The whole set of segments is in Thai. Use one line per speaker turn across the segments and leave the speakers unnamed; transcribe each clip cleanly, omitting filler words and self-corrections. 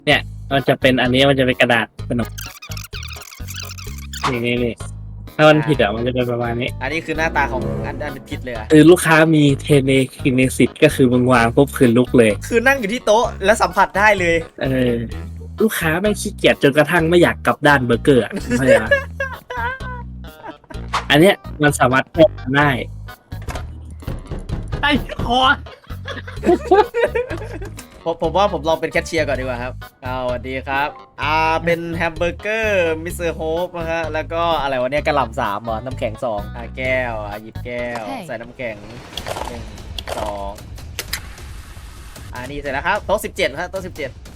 เนี่ยมันจะเป็นอันนี้มันจะเป็นกระดาษขนมนี่ถ้ามันผิดอ่ะมันจะเป็นประมาณนี้
อันนี้คือหน้าตาของอันเป็นผิดเลยอะ
คือลูกค้ามีเทเนคินเนสิตก็คือมึงวางปุ๊บคือลุกเลย
คือนั่งอยู่ที่โต๊ะแล้วสัมผัสได้เลย
เออลูกค้าไม่ขี้เกียจจนกระทั่งไม่อยากกลับด้านเบอร์เกอร์อะเข้าใจปะอันเนี้ยมันสามารถแก้ได้
ไอ้คอ
ผมว่าผมลองเป็นแคชเชียร์ก่อนดีกว่าครับสวัสดีครับเป็นแฮมเบอร์เกอร์มิสเตอร์โฮปนะฮะแล้วก็อะไรวะเนี่ยกระหล่ำ3เหรอน้ำแข็ง2แก้วหยิบแก้วใส่น้ำแข็ง1 2นี่เสร็จแล้วครับโต๊ะ17ครับโต๊ะ17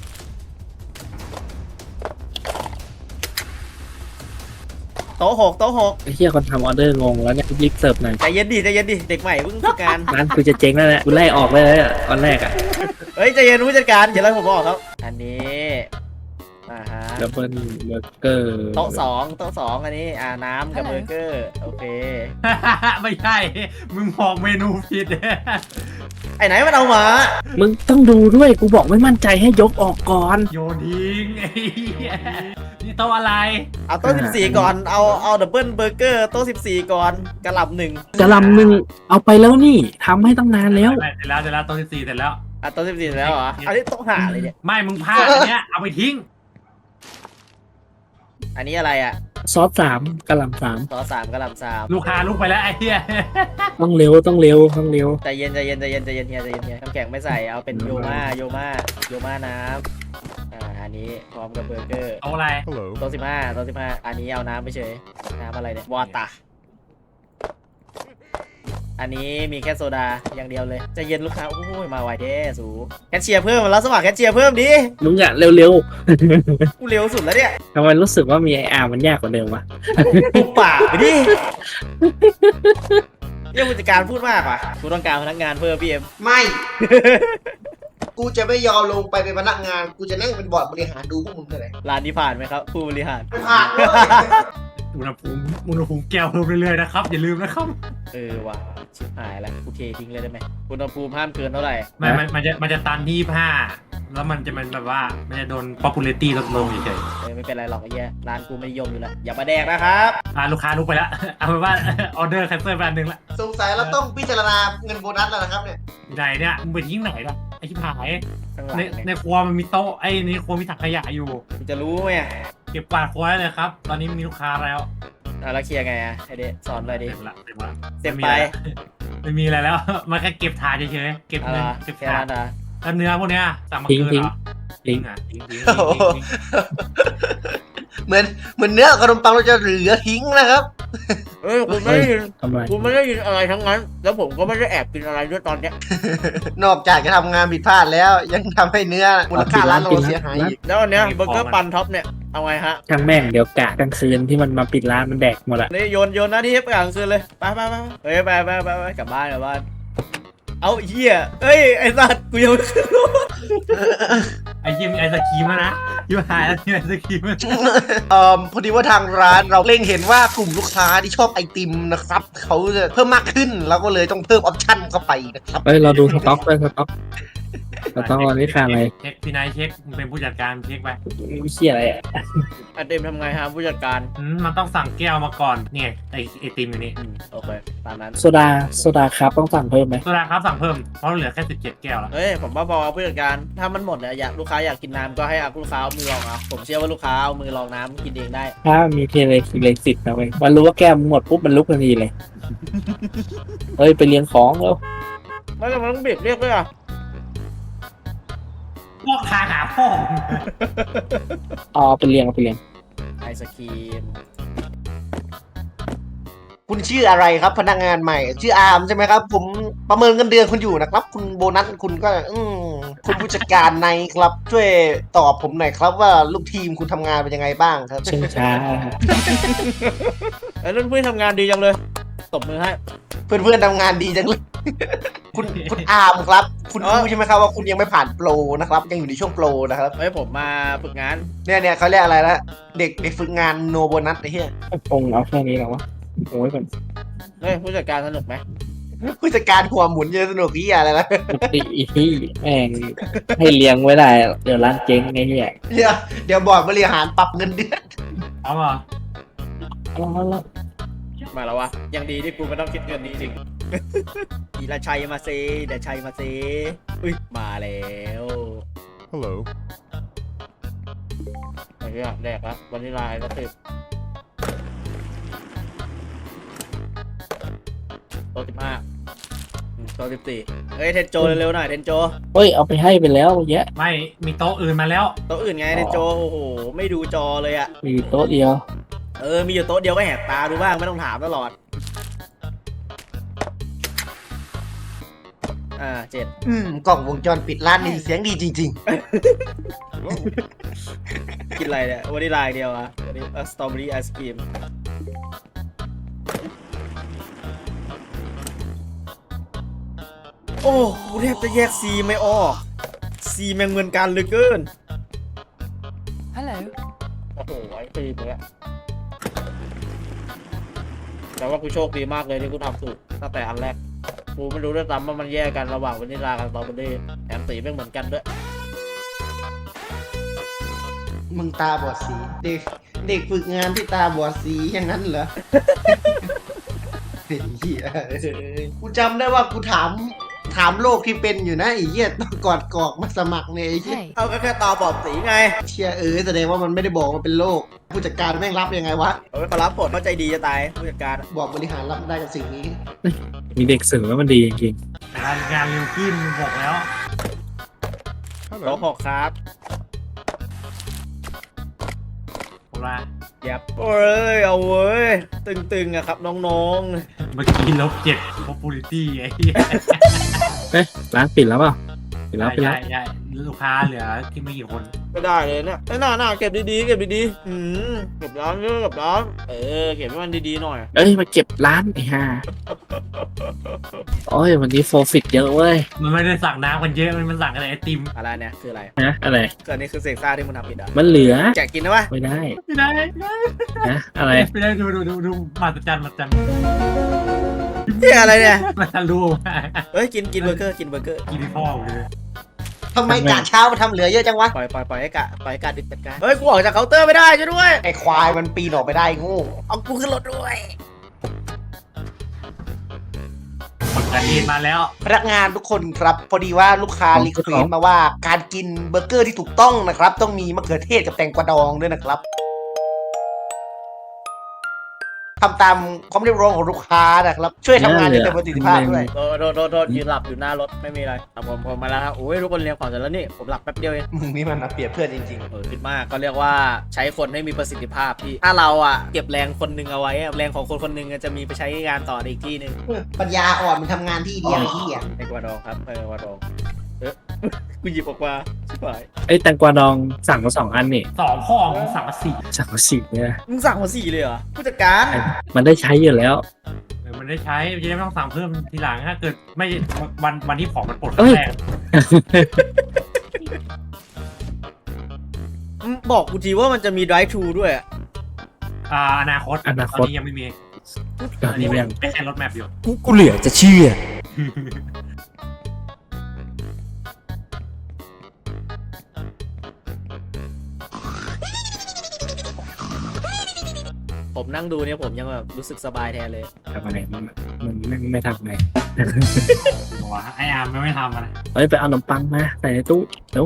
โต๊ะ6โต๊ะ6
ไอ้เหี้ยคนทำออเดอร์งงแล้วเนี่ยรีบเสิร์ฟหน่อย
ใจเย็นดิเด็กใหม่เพิ่งฝึกงาน
ร้านกูจะเจ๊งแล้วแหละกูไล่ออกเลยอ่ะตอนแรกอ่ะ
เฮ้ยใจเย็นผู้จัดการเดี๋ยวไล่ผมบอกครับอันนี้ฮะ
ดับเบิลเบอร์เกอร์
โต๊ะ2อันนี้น้ำกับเบอร์เกอร์โอเค
ไม่ใช่มึงบอกเมนูผิด
ไอ้ไหนมันเอามา
มึงต้องดูด้วยกูบอกไม่มั่นใจให้ยกออกก่อน
โยนทิ้งไอ้เหี้ยนี่โต๊ะอะไร
เอาโต๊ะ14ก่อนเอาดับเบิลเบอร์เกอร์โต๊ะ14ก่อนกระหล่ำ1
กะหลำหนึ่งเอาไปแล้วนี่ทำให้ตั้งนานแล้ว
เสร็จแล้วโต๊ะที่4เสร็จแล้ว
โต๊ะ14แล้วเหรออันนี้โต๊ะหาเลยเนี่ย
ไม่มึงพลาดอันเนี้ยเอาไปทิ้ง
อันนี้อะไรอ่ะ
ซอส3กะหล่ำ3
โต๊ะ3กระหล่ำ3
ลูกค้าลุกไปแล้วไอ้เหี้ย
ต้องเร็วต้องเร็ว
ใจเย็นเฮียน้ำแข็งไม่ใส่เอาเป็นโยมาน้ำอันนี้พร้อมกับเบอร์เกอร์
เอาอะไร
โต๊ะ15อันนี้เอาน้ำไปเฉยน้ำอะไรเนี่ยวอตาอันนี้มีแค่โซดาอย่างเดียวเลยใจเย็นลูกค้าโอ้ยมาไวเด้สูแคชเชียร์เพิ่มแล้วสมัครแคชเชียร์เพิ่มดิ
มึงอะเร็ว
กูเร็วสุดแล้วเนี่ย
ๆทำไมรู้สึกว่ามีไออาร์มันยากกว่าเดิมวะ
ปุบปากไปดิเรื่องผู้จัดการพูดมากว่ะกูต้องการพนักงานเพิ่มพี่เอ็ม
ไม่ กูจะไม่ยอมลงไปเป็นพนักงาน กูจะนั่งเป็นบอร์ดบริหารดูพวกมึงเลย
ร้านนี้ผ่านไหมครับผู้บริหาร
ผ่านเลย
อุณหภูมิแก้วเพิ่มเรื่อยๆนะครับอย่าลืมนะครับ
ว่ะชิบหายแล้วกูเททิ้งเลยได้ไหมอุณหภูมิห้ามเกินเท่าไหร่
ไม่มันจะตันที่25แล้วมันจะแบบว่ามันจะโดน popularity ลดลงเฉย
ไม่เป็นไรหรอกไอ้เหี้ยร้านกูไม่นิยมอยู่แล้วอย่ามาแดกนะครับ
ๆลูกค้าลุกไปแล้ว เอาเป็นว่า ออเดอร์แคนเซิลไปอันหนึงละ
สงสัยเราต้องพิจารณาเงินโบนัสแล้วนะครับเนี่ย
ไหนเนี่ยมึงไปทิ้งไหนล่ะไอ้ชิบหาย
ข้างหลัง
ใน
เนี่ย
ในครัวมันมีโต๊ะในครัวมีถังขยะอยู่
กูจะรู้ไหมอ่ะ
เก็บกวาดครัวได้เลยครับ ตอนนี้มีลูกค้าแล้ว
แล้วเคลียร์ไงอ่ะไอเดะสอนเลยดิ
เต็มละ
เต็มไป
ไม่มีอะไรแล้ว มันแค่เก็บถาดเฉยๆเก็บ
อะไร
เงินเก็บ
แค่
ถาด
นั้นนะ
แล้วเนื้อพวกเนี้ยสั่งมาเกินเหรอ
ทิ้ง
อ่ะทิ้ง
เหมือนเนื้อขนมปังเราจะเหลือทิ้งนะครับ
คุณไม่ได้ยิน
ทำไม
คุณไม่ได้ยินอะไรทั้งนั้น แล้วผมก็ไม่ได้แอบกินอะไรด้วยตอนเนี้ย
นอกจากจะทำงานผิดพลาดแล้ว ยังทำให้เนื้อมูลค่าร้านเราเสียหายอีก
แล้วอันเนี้ยเบอร์เกอร์ปันท็อปเนี่ยเอาไงฮะ
ช่างแม่งเดี๋ยวกะกลางคืนที่มันมาปิดร้านมันแดกหมดอะ
นี่โยนหน้าที่ให้ไปกลางคืนเลยไปเฮ้ยไปกลับบ้านเอาเหี้ยเอ้ยไอ้สัตว์กูยังไม่ขึ้นรถ
ไอ้ยิมไอศครีมแล้วนะยูหายแล้วที่ไอศครีม
พอดีว่าทางร้านเราเล็งเห็นว่ากลุ่มลูกค้าที่ชอบไอติมนะครับเขาจะเพิ่มมากขึ้นเราก็เลยต้องเพิ่มออปชั่นเข้าไปนะครับ
เฮ้ยเราดูสต็อกด้วยสต็อกวันนี้ขาดอะไร
เช็คพี่นายเช็คมึงเป็นผู้จัดการเช็คไป
ไม่เชี่ยอะไรอะ
ไอเต็มทำไงฮะผู้จัดการ
มันต้องสั่งแก้วมาก่อนเนี่ยไอติมอยู่นี่
โอเคตามนั้น
โซดาครับต้องสั่งเพิ่มไหม
ตัวราครับสั่งเพิ่มเพราะเหลือแค่17แก้วแล้ว
เฮ้ยผมว่าพอผู้จัดการถ้ามันหมดเนี่ยลูกค้าอยากกินน้ำก็ให้ลูกค้าเอามือลองเอาผมเชื่อว่าลูกค้าเอามือลองน้ำกินเองได้
ถ้ามีเทเลสิทธิ์นะเว้ยมันรู้ว่าแก้มหมดปุ๊บมันลุกทันทีเลย เฮ้ยไปเลี้ยงของแล้ว
ไม่ต้องเบรกเรียกด้วยอ่ะ
พวกทางหาพ่อ
อ๋อไปเลี้ยง
ไอศครีม
คุณชื่ออะไรครับพนักงานใหม่ชื่ออาร์มใช่ไหมครับ ผมประเมินเงินเดือนคุณอยู่นะครับ คุณโบนัสคุณก็คุณผู้จัดการในครับช่วยตอบผมหน่อยครับว่าลูกทีมคุณทำงานเป็นยังไงบ้างครับ
เชิงช้า
ไอ้รุ่นพี่ทำงานดีจังเลยตบมือให้
เพื่อนๆทำงานดีจังเลย คุณอาร์มครับ คุณรู้ใช่ไหมครับว่าคุณยังไม่ผ่านโปรนะครับ ยังอยู่ในช่วงโปรนะครับ
เฮ้ยผมมาฝึกงาน
เนี่ยเขาเรียกอะไรนะเด็กฝึกงานโนโบนัสไอ้เหี้ย
คงเอาแค่นี้แล้ววะโอ้ยก่อน
เฮ้ยผู้จัดการสนุกไหม
ผู้จัดการหัวหมุนเยอะสนุกที่อะไรล่ะ
อีที่แม่งให้เลี้ยงไว้ได้เดี๋ยวร้านเจ๊งไงเนี่ย
เดี๋ยวบอร์ดบริหารปรับเงินเดือน
เอาเหรอ
เอาละ
มาแล้ววะยังดีที่กูไม่ต้องคิดเงินนี้จริง อีละชัยมาเซเดี๋ยวชัยมาเซอุ้ยมาแล้ว
Hello.
ไอ้เรื่องแรกละวันนี้ลายก็ติดโต๊ะ15โต๊ะ14เฮ้ยเทนโจเร็วๆหน่อยเทนโจ
เฮ้ยเอาไปให้ไปแล้วเยอะ
ไม่มีโต๊ะอื่นมาแล้ว
โต๊ะอื่นไงเทนโจโอ้โหไม่ดูจอเลยอะ
มีโต๊ะเดียว
มีอยู่โต๊ะเดียวก็แหกตาดูบ้างไม่ต้องถามตลอด7
กล่องวงจรปิดร้านนี้เสียงดีจริง
กินอะไรเนี่ยวันนี้ลายเดียวอะวันนี้สตรอเบอรี่ไอศกรีมโอ้กูแทบจะแยกซีไม่ออกซีแม่งเหมือนกันเหลือเกิน
Hello.
โอ้โหไอ้ตีมึงอะแต่ว่ากูโชคดีมากเลยที่กูทำถูกตั้งแต่อันแรกกูไม่รู้ด้วยซ้ำว่ามันแยกกันระหว่างวานิลลากับสตรอเบอรี่แถมสีแม่งเหมือนกันด้วย
ๆ มึงตาบอดสี เด็กฝึกงานที่ตาบอดสีอย่างนั้นเหรอ ไอ้เหี้ยกูจำได้ว่ากูถามโรคที่เป็นอยู่นะไอ้เหี้ยตอนก่อนกรอกมาสมัครเนี่ยไอ้เหี้ย
Hey.
เอาก็แค่ตาบอดสีไง
เชียแสดงว่ามันไม่ได้บอกว่าเป็นโรคผู้จัดการแม่งรับยังไงวะ
เอาไปขอรับบทเข้าใจดีจะตายผู้จัดการ
บอกบริหารรับได้กับสิ่งนี้
มีเด็กสื่อแล้วมันดีจริง
แต่งานเร็วขึ้นบอกแล้ว
โต๊ะ
Hello.
6ครับ
ผมว่า
เย็บโอ้ยเอาเว้ยตึงๆอะครับน้อง
เมื่อกี้ลบ7 popularity ไอ้เหี้ย
ๆเอ๊ะร้านปิดแล้วเปล่าปิดแล้วปิดแล้ว
ใช่ลูกค้าเหลือที่ไม่กี่คน
ๆไม่ได้เลยเนี่ยหน้าเก็บดีๆเก็บดีๆเก็บร้านเก็บร้านเก็บให้มันดีๆหน่อย
เอ้ยมาเก็บร้านไอ้ห่าโอ้ยวันนี้โฟฟิตเยอะเว้ย
มันไม่ได้สั่งน้ำกันเยอะมันสั่งอะไรไอติม
อะไรเนี่ยคืออะไร
นะอะไร
เกิดนี่คือเสกซ่าที่มึงทำผิดอ่ะ
มันเหลือ
แจกกินนะวะ
ไม่ได้
ไม่ได้
นะอะไร
ไม่ได้ดูมาตรจัน
เฮียอะไรเนี่ย
มาตรลูก
เฮ้ยกินเบอร์เกอร์กิน
ที่พ่อเลย
ทำไมกะเช้ามาทำเหลือเยอะจังวะ
ปล่อยให้กะดิบจัดการเฮ้ยกูออกจากเคาน์เตอร์ไม่ได้ช่วยด้วย
ไอ้ควายมันปีนออกไปได้โงู
เอากูขึ้นรถด้วย
ผลการเรียนมาแล้ว
พนักงานทุกคนครับ พอดีว่าลูกค้ารีเควสมาว่าการกินเบอร์เกอร์ที่ถูกต้องนะครับ ต้องมีมะเขือเทศกับแตงกวาดองด้วยนะครับทำตามความเรียกร้องของลูกค้านะครับ ช่วยทำงานได้เต็มประสิทธิภาพด้วย
โทษยืนหลับอยู่หน้ารถไม่มีอะไรผมมาแล้วครับโอ้ยทุกคนเรียงของเสร็จแล้วนี่ผมหลับแป๊บเดียวเอง
มึงนี่มันมาเปรียบเพื่อนจริง
คิดมากก็เรียกว่าใช้คนให้มีประสิทธิภาพพี่ถ้าเราเก็บแรงคนหนึ่งเอาไว้แรงของคนหนึ่งจะมีไปใช้งานต่อในอีกที่หนึ่ง
ๆ ปัญญาอ่อนมันทำงานที่เดียวไอ้เหี้ย
ไอ้กวาดองครับไอ้กวาดองกูหยิบออกมาชิบหาย
ไอ้ยแตงกวาดองสั่งมา2 อันนี่
2 ข้อของสั่งมา4
สั่งมา4เนี่ย
มึงสั่งมา4เลยเหรอผู้จัดการ
มันได้ใช้อยู่แล้ว
มันได้ใช้จะได้ไม่ต้องสั่งเพิ่มทีหลังถ้าเกิดไม่วันที่ของมันปลด
เอ้ย
แรก
บอกกูทีว่ามันจะมี drive thru ด้วย
อนาคต
อนา
ต
ค
อน
ต
นี้ยังไม่มี
ตอนนี้ยัง
ไม่ใช่รถแมพอยู่
กูเหลือจะเชื่อ
ผมนั่งดูเนี่ยผมยังแบบรู้สึกสบายแทนเลย
ทำอะไรมันไม่ทำไง
บอกว่าไออาร์มไม่ทำอะไร
เฮ้ยไปเอาขนมปังมาใส่ในตู้เดี๋ยว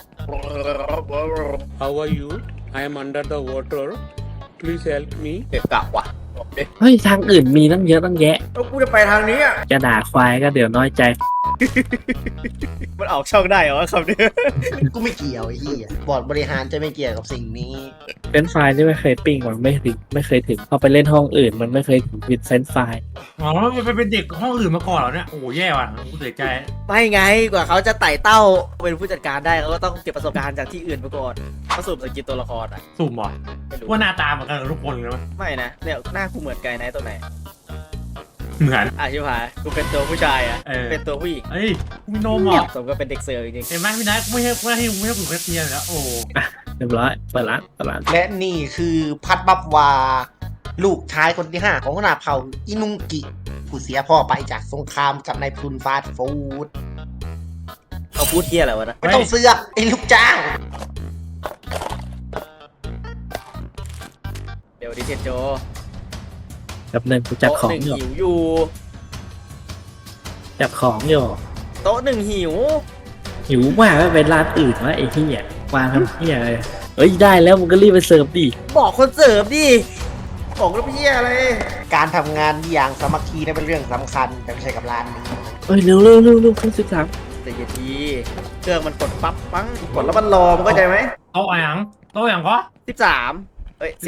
How are you? I am under the water. Please help me.
เด็กกะว่ะบอกดิ
เฮ้ยทางอื่นมีตั้งเยอะตั้งแยะ
แล้วกูจะไปทางนี้อ่ะ
จะด่าควายก็เดี๋ยวน้อยใจ
มันออกช่องได้เหรอคำนี้
กูไม่เกี่ยวไอ้เหี้ยบอร์ดบริหารจะไม่เกี่ยวกับสิ่งนี้
เป็นไฟล์ที่ไม่เคยปิ้งมันไม่เคยถึงพอไปเล่นห้องอื่นมันไม่เคยถึงวิดเฟนไฟล์
อ๋อมันเป็นเด็กห้องอื่นมาก่อนเหรอเนี่ยโอ้โหแย่ว่ะกูเสียใจ
ไม่ไงกว่าเขาจะไต่เต้าเป็นผู้จัดการได้เขาก็ต้องเก็บประสบการณ์จากที่อื่นมาก่อนเขาสูบสกิลตัวละครอ่ะ
สุ่มเหรอ
ไม่รู้
ว่าหน้าตาเหมือนกันกับทุกคนเลยไหม
ไม่นะเนี่ยหน้ากูเหมือนไกด์ไนท์ตัวไหน
เหมือน
ชิบหายกูเป็นตัวผู้ชายอ่ะ
เออ
เป็นตัวผู้หญิง
เฮ้ยมีนมเหรอ
สมก็เป็นเด็กเสิร์ฟจริง
เห็นไหมพี่นัทไม่ให้ผมแค่เตียนแล้วโอ้
เรียบร้อยเปิดร้าน
และนี่คือพัดบับวา ลูกชายคนที่ 5 ของขนาดเผ่าอินุงกิกูเสียพ่อไปจากสงครามกับนายพลุนฟาสต์ฟู้ด
เขาพูดเที่ยอะไรวะนะ
ไม่ต้องเสือกไอ้ลูกจ้าง
เดี๋ยวดิเทนโจ
กับหนึ่งกูจัด
โต๊ะ
ของ
หนึ่ง
อยู่
หิวอยู่
จัดของอยู่
โต๊ะหนึ่งหิว
หิวมากไม่เป็นร้านอื่นวะไอ้เหี้ยมาทำเหี้ยอะไรเอ้ยได้แล้วมึงก็รีบไปเสิร์ฟดิ
บอกคนเสิร์ฟดิบอกแล้วเพี้ยอะไร
การทำงานอย่างสามัคคีนั้นเป็นเรื่องสำคัญแต่ไม่ใช่กับร้านนี้
เอ้ยเร็วเร็วเร็วเร็วขึ้น13
แต่อย่าทีเครื่องมันกดปั๊บปังกดแล้วมันรอมันเข้าใจไหม
โต๊ะอย่างโต๊ะอย่างก็
13เอ้ย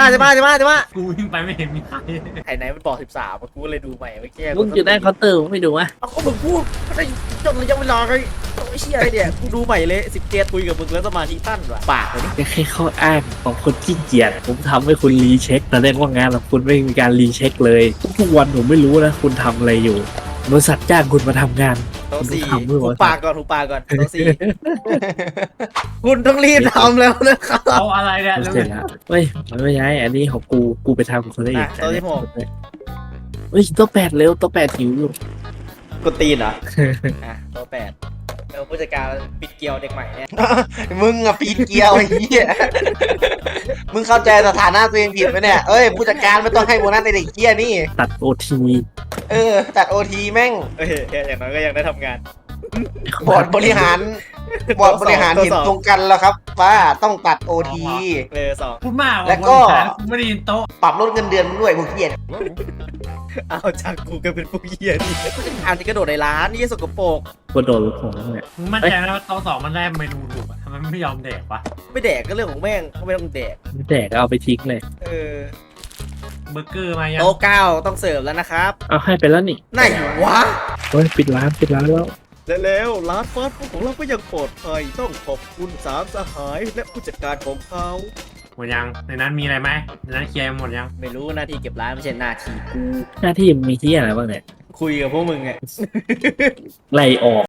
15
กูวิ่งไปไม่เห็นมีใคร
ไอ้ไหนมันบอก13กูเลยดูใหม่เมื่อกี้
มึงอยู่ได้เคาน์เตอร์มึงไม่ดูวะ
เอาก็มึงพูดก็ได้จนระยะเวลาไงไอ้เชี่ยอะไรเนี่ยกูดูใหม่เลย17คุยกับมึงแล้วสมาธิตั้นว่ะปากเลยนี่
แค่ข้ออ้างของคนขี้เกียจผมทำให้คุณรีเช็คแสดงว่างานของคุณไม่มีการรีเช็คเลยทุกวันผมไม่รู้นะคุณทำอะไรอยู่บริษัทจ้างคุณมาทำงาน
โต๊ะสี่
ทำด้วยวะ
หูปากก่อนโต๊ะสี่คุณต้องรีบทำแล้วนะครับ
เอาอะไรเนี่ย
เสร็จแล้วเฮ้ยมันไม่ใช่อันนี้ของกูไปทำคนละอีก
โต๊ะที่6
เฮ้ยตัว8เร็วตัว8หิวอยู่
กดตีนเหรออ่ะโต๊ะ8แล้วผู้จัดการปิดเกลียวเด็กใหม่เนี่ย
มึงอะปีนเกลียวไอ้เหี้ยมึงเข้าใจสถานะตัวเองผิดไหมเนี่ยเอ้ยผู้จัดการไม่ต้องให้โบนัสในเด็กเหี้ยนี่
ตัดโอที
ตัดโอทีแม่ง
เอ้ยอย่างน้อยก็ยังได้ทำงาน
บอร์ดบริหารเห็นตรงกันแล้วครับ ว่าต้องตัดโอที
สอง
พูดมาก
แล้วก็
กูไม่ได้ยินโต๊ะ
ปรับลดเงินเดือนมึงด้วยพวกเหี้ย
เอาจากกูก็เป็นผู้เหี้ยนี่ผู้จัดการที่กระโดดในร้านนี่สกปรก
กระโดดผมเนี่ย
มึงมั่นใจไหมว่าโต๊ะ2มันได้เมนูถูกอะทำไมไม่ยอมแดกวะ
ไม่แดกก็เรื่องของแม่งเขาไม่ต้องแดก
แดกเอาไปทิ้งเลย
เออ
เบอร์เกอร์มายัง
โต๊ะ9ต้องเสิร์ฟแล้วนะครับ
เอาให้ไปแล้วนี่
ไหนวะ
เฮ้ยปิดร้านแล้ว
แล้วร้านฟาสต์ฟู้ดของเราก็ยังปลอดภัยต้องขอบคุณสามสหายและผู้จัดการของเขา
หมดยังในนั้นมีอะไรไหมในนั้นเคลียร์หมดยัง
ไม่รู้หน้าที่เก็บร้านไม่ใช่หน้าที่กู
หน้าที่มีที่อะไรบ้างเนี่ย
คุยกับพวกมึงไง
ไล่ออก